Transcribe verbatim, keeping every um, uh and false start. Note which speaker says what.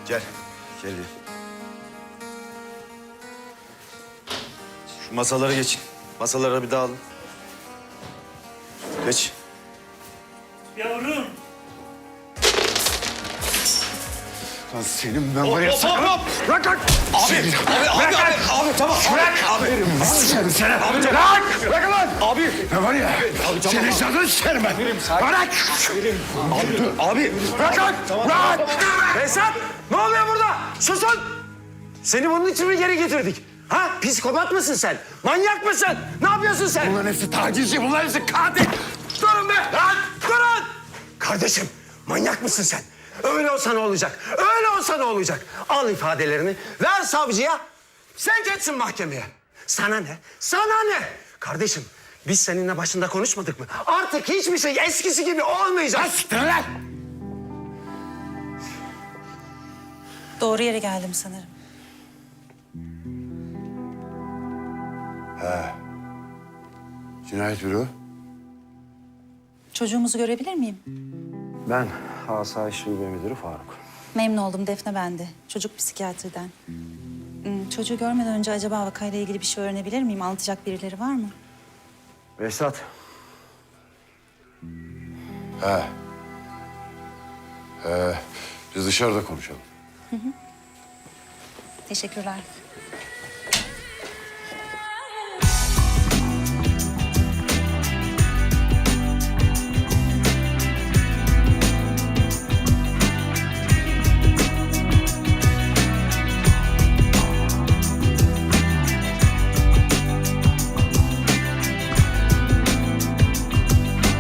Speaker 1: Gel. Gel. Şu masalara geçin. Masalara bir dağılın. Geç.
Speaker 2: Yavrum.
Speaker 3: Lan senin ben var ya...
Speaker 1: Hop hop hop!
Speaker 3: Bırak lan!
Speaker 1: Abi, abi, abi, abi, abi, abi, tamam.
Speaker 3: Bırak!
Speaker 1: Abi.
Speaker 3: Seni seni! Abi, bırak! Bırak lan! Abi! Ne var ya? Abi, tamam, senin canını sikerim ben! Bırak!
Speaker 1: Abi dur. Abi.
Speaker 3: Bırak lan! Bırak!
Speaker 4: Behzat! Ne oluyor burada? Susun! Seni bunun için mi geri getirdik? Ha? Psikopat mısın sen? Manyak mısın? Ne yapıyorsun sen?
Speaker 3: Bunların hepsi tacizci, bunların hepsi katil!
Speaker 4: Durun be! Lan! Durun! Kardeşim, manyak mısın sen? Öyle olsa ne olacak? Öyle olsa ne olacak? Al ifadelerini, ver savcıya. Sen geçsin mahkemeye. Sana ne? Sana ne? Kardeşim, biz seninle başında konuşmadık mı? Artık hiçbir şey eskisi gibi olmayacak.
Speaker 3: Lan siktir lan!
Speaker 5: Doğru yere geldim sanırım.
Speaker 3: Cinayet büro.
Speaker 5: Çocuğumuzu görebilir miyim?
Speaker 4: Ben Asayiş Şube Müdürü Faruk.
Speaker 5: Memnun oldum, Defne bende. Çocuk psikiyatriden. Hmm, çocuğu görmeden önce acaba vakayla ilgili bir şey öğrenebilir miyim? Anlatacak birileri var mı?
Speaker 4: Behzat,
Speaker 3: He. He. Biz dışarıda konuşalım.
Speaker 5: Teşekkürler.